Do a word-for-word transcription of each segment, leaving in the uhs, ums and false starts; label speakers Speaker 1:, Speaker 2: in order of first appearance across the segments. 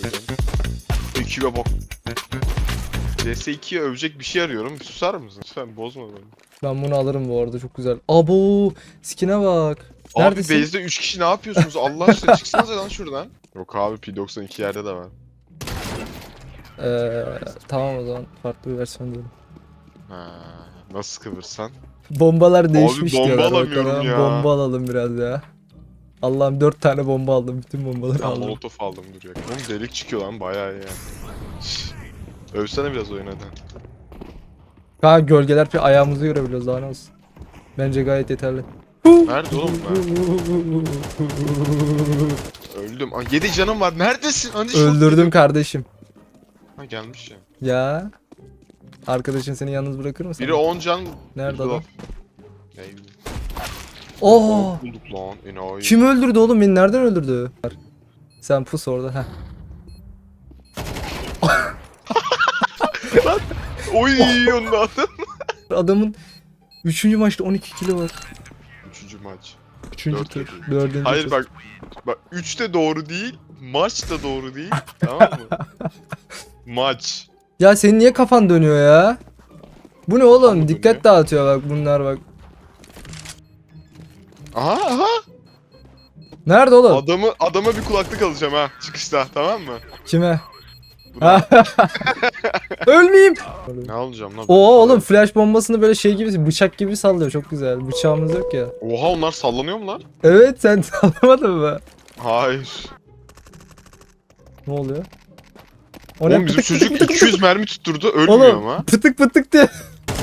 Speaker 1: çözeceğim. Ekibe bak. C S iki'ye övecek bir şey arıyorum. Bir susar mısın? Lütfen bozma beni.
Speaker 2: Ben bunu alırım bu arada, çok güzel. Abo, skin'e bak.
Speaker 1: Abi
Speaker 2: Neredesin?
Speaker 1: base'de üç kişi ne yapıyorsunuz? Allah aşkına çıksanıza lan şuradan. Yok abi P doksan iki yerde de var.
Speaker 2: Ee, tamam o zaman farklı bir versiyon diyelim.
Speaker 1: Ha, nasıl kıvırsan?
Speaker 2: Bombalar değişmiş
Speaker 1: bomba
Speaker 2: diyorlar.
Speaker 1: alamıyorum
Speaker 2: bakalım.
Speaker 1: ya.
Speaker 2: Bomba alalım biraz ya. Allah'ım dört tane bomba aldım. Bütün bombaları
Speaker 1: Ya
Speaker 2: aldım.
Speaker 1: molotof aldım duruyor. Oğlum delik çıkıyor lan bayağı iyi yani. Övsene biraz oyun hadi.
Speaker 2: Ha, gölgeler bir ayağımızı görebiliyoruz, daha ne olsun. Bence gayet yeterli.
Speaker 1: Nerede oğlum ben? Öldüm. Aa, yedi canım var. Neredesin? Hani şok
Speaker 2: Öldürdüm
Speaker 1: yedim.
Speaker 2: kardeşim.
Speaker 1: Ha gelmiş ya.
Speaker 2: Ya. Arkadaşın seni yalnız bırakır mı sana?
Speaker 1: Biri on can.
Speaker 2: Nerede
Speaker 1: biri
Speaker 2: adam?
Speaker 1: laf. Ne bileyim.
Speaker 2: Oo!
Speaker 1: Bulduk lan. Enayi.
Speaker 2: Kim öldürdü oğlum beni? Nereden öldürdü? Sen pus orada. Heh.
Speaker 1: Oy onu attım.
Speaker 2: Adamın üçüncü maçta on iki kilo var.
Speaker 1: Üçüncü maç.
Speaker 2: üçüncü
Speaker 1: Dört
Speaker 2: tur.
Speaker 1: tur.
Speaker 2: dördüncü
Speaker 1: Hayır
Speaker 2: tur.
Speaker 1: bak. Bak üç de doğru değil. Maç da doğru değil. Tamam mı? Maç.
Speaker 2: Ya senin niye kafan dönüyor ya? Bu ne oğlum?
Speaker 1: Kafam
Speaker 2: Dikkat
Speaker 1: dönüyor.
Speaker 2: dağıtıyor bak bunlar bak.
Speaker 1: Aha aha.
Speaker 2: Nerede oğlum?
Speaker 1: Adamı adama bir kulaklık alacağım ha çıkışta tamam mı?
Speaker 2: Kime?
Speaker 1: Buna.
Speaker 2: Ölmeyeyim.
Speaker 1: Ne alacağım lan?
Speaker 2: Oo oğlum, flash bombasını böyle şey gibi, bıçak gibi sallıyor, çok güzel. Bıçağımız yok ya.
Speaker 1: Oha onlar sallanıyor mu lan?
Speaker 2: Evet, sen sallamadın mı?
Speaker 1: Hayır.
Speaker 2: Ne oluyor? O
Speaker 1: Oğlum bizim
Speaker 2: Pıtık
Speaker 1: çocuk
Speaker 2: pıtık pıtık
Speaker 1: iki yüz mermi tutturdu ölmüyor
Speaker 2: Oğlum,
Speaker 1: ama.
Speaker 2: pıtık pıtık diye.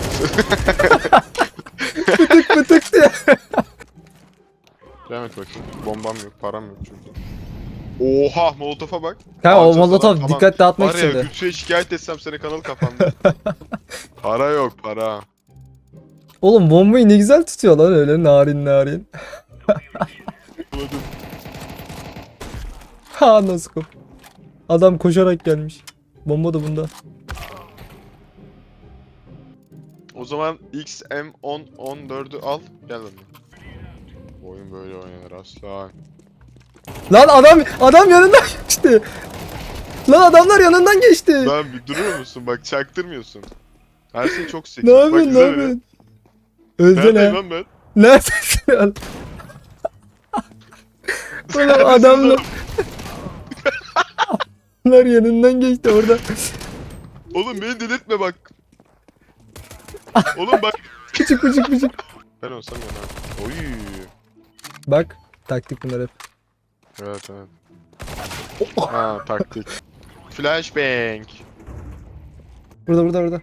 Speaker 2: Pıtık pıtık diye.
Speaker 1: Devam et bakayım. Bombam yok, param yok çünkü. Oha molotofa bak.
Speaker 2: Ha, o
Speaker 1: Harcadılar,
Speaker 2: molotov
Speaker 1: tamam.
Speaker 2: dikkat dağıtmak
Speaker 1: Var ya
Speaker 2: için de.
Speaker 1: Gülsü'ye şikayet etsem seni kanal kapandı. Para yok para.
Speaker 2: Oğlum bombayı ne güzel tutuyor lan öyle narin narin.
Speaker 1: Bulamadım.
Speaker 2: Ha, nasıl kop. Adam koşarak gelmiş. Bomba da bunda.
Speaker 1: O zaman X M on on dördü al gel benimle. Oyun böyle oynanır aslan.
Speaker 2: Lan adam adam yanından geçti. Lan adamlar yanından geçti.
Speaker 1: Lan bir durur musun bak çaktırmıyorsun. Her şey çok seksi.
Speaker 2: Ne
Speaker 1: Bak
Speaker 2: yapıyorsun, ne
Speaker 1: izle beni.
Speaker 2: yapıyorsun? Öldü
Speaker 1: Neredeyim
Speaker 2: lan.
Speaker 1: lan ben?
Speaker 2: Neredesin lan? Oğlum
Speaker 1: Neredesin
Speaker 2: adamlar
Speaker 1: lan?
Speaker 2: adamlar yanından geçti orada.
Speaker 1: Oğlum beni delirtme bak. Oğlum bak.
Speaker 2: Küçük küçük küçük.
Speaker 1: Ben olsam yana. Oy.
Speaker 2: Bak, taktik bunlar hep.
Speaker 1: Evet evet. Ha taktik. Flashbang.
Speaker 2: Burada burada burada.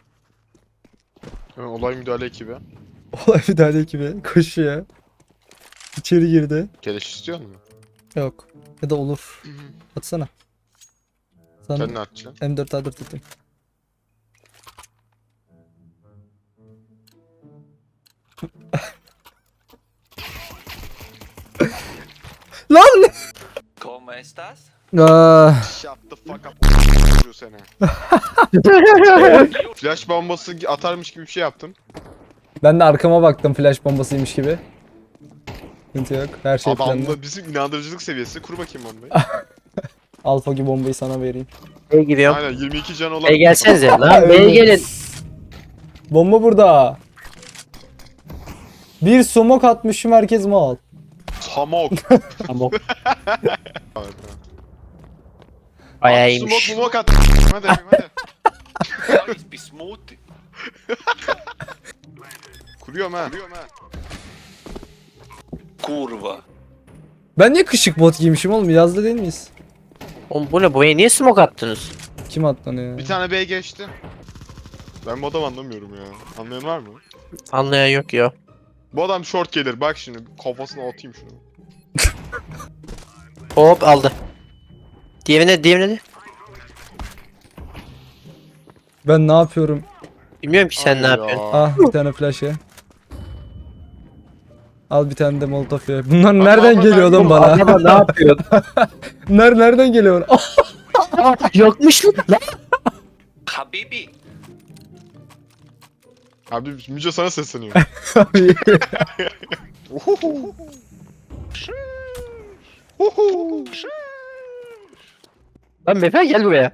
Speaker 1: Ha, olay müdahale ekibi.
Speaker 2: Olay müdahale ekibi koşuyor. İçeri girdi.
Speaker 1: Keleş istiyor musun?
Speaker 2: Yok. Ya da olur. Atsana. Sana
Speaker 1: Sen ne atacaksın?
Speaker 2: M dört A dört tutayım. Lan!
Speaker 3: ¿Cómo estás?
Speaker 2: Ah,
Speaker 1: Shut the fuck up. Vuruyor seni. Flash bombası atarmış gibi bir şey yaptım.
Speaker 2: ben de arkama baktım, flash bombasıymış gibi. Sıkıntı yok. Her şey planlı.
Speaker 1: Adamla bizim inandırıcılık seviyesi. Kur bakayım bombayı.
Speaker 2: Alfa gibi bombayı sana vereyim.
Speaker 4: B'ye gidiyorum.
Speaker 1: Aynen yirmi iki can olan.
Speaker 4: B'ye gelsenize lan.
Speaker 2: Ha,
Speaker 4: B'ye
Speaker 2: öyle.
Speaker 4: gelin.
Speaker 2: Bomba burada. Bir smoke atmışım, herkes mal.
Speaker 1: Tamok.
Speaker 4: Tamam.
Speaker 1: Evet,
Speaker 4: Bayağı
Speaker 1: Smoke
Speaker 4: iyiymiş.
Speaker 1: smoke at. Hadi hadi.
Speaker 3: Alles bismuth.
Speaker 1: Kuruyorum ha. Kuruyorum ha.
Speaker 3: Kurva.
Speaker 2: Ben niye kışık bot giymişim oğlum? Yazda değil miyiz?
Speaker 4: Oğlum bu ne? Buraya niye smoke attınız?
Speaker 2: Kim atlanıyor?
Speaker 1: Bir tane B geçti. Ben bu adamı anlamıyorum ya. Anlayan var mı?
Speaker 4: Anlayan yok ya.
Speaker 1: Bu adam short gelir. Bak şimdi kafasına atayım şunu.
Speaker 4: Hop aldı. Diğerine diğerine de.
Speaker 2: Ben ne yapıyorum?
Speaker 4: Bilmiyorum ki sen ne
Speaker 1: Ay
Speaker 4: yapıyorsun.
Speaker 1: ya.
Speaker 2: Ah, bir tane flash ya. Al bir tane de molotof ya. Bunlar
Speaker 1: Bak,
Speaker 2: nereden
Speaker 1: bak,
Speaker 2: geliyor
Speaker 1: bak,
Speaker 2: oğlum bana?
Speaker 4: Araba ne yapıyor?
Speaker 2: Ner nereden geliyor? Ah,
Speaker 4: Yokmuş lan.
Speaker 3: Habibi.
Speaker 1: Abi Müce sana sesleniyor.
Speaker 2: abi.
Speaker 1: Uhuhu. Uhu.
Speaker 4: Lan Mefe gel buraya.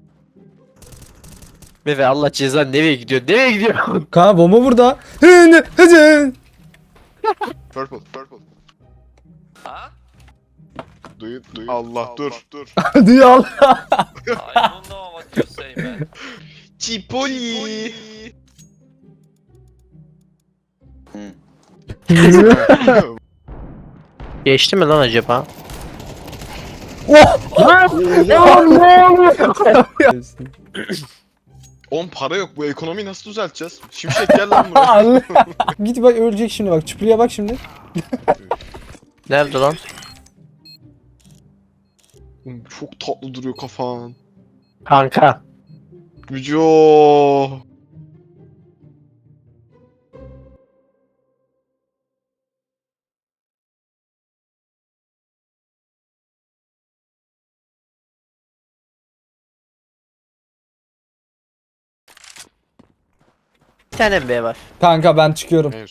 Speaker 4: Mefe Allah cezanı nereye gidiyor? Nereye gidiyor?
Speaker 2: Kanka bomba burada. Hın, hızın.
Speaker 1: Purple, purple.
Speaker 3: Huh?
Speaker 1: Duyu, duyu. Allah, dur, dur.
Speaker 2: Duyu al.
Speaker 3: I don't know what you say, man.
Speaker 1: Cipoli.
Speaker 4: Geçti mi lan acaba?
Speaker 2: Oh!
Speaker 1: On para yok, bu ekonomiyi nasıl düzelteceğiz? Şimşek gel lan buraya.
Speaker 2: Allah. Git bak ölecek şimdi bak. Çupuruya bak şimdi.
Speaker 4: Nerede lan?
Speaker 1: Oğlum, çok tatlı duruyor kafan.
Speaker 4: Kanka.
Speaker 1: Müco.
Speaker 4: Bir tane B var.
Speaker 2: Kanka ben çıkıyorum.
Speaker 1: Evet.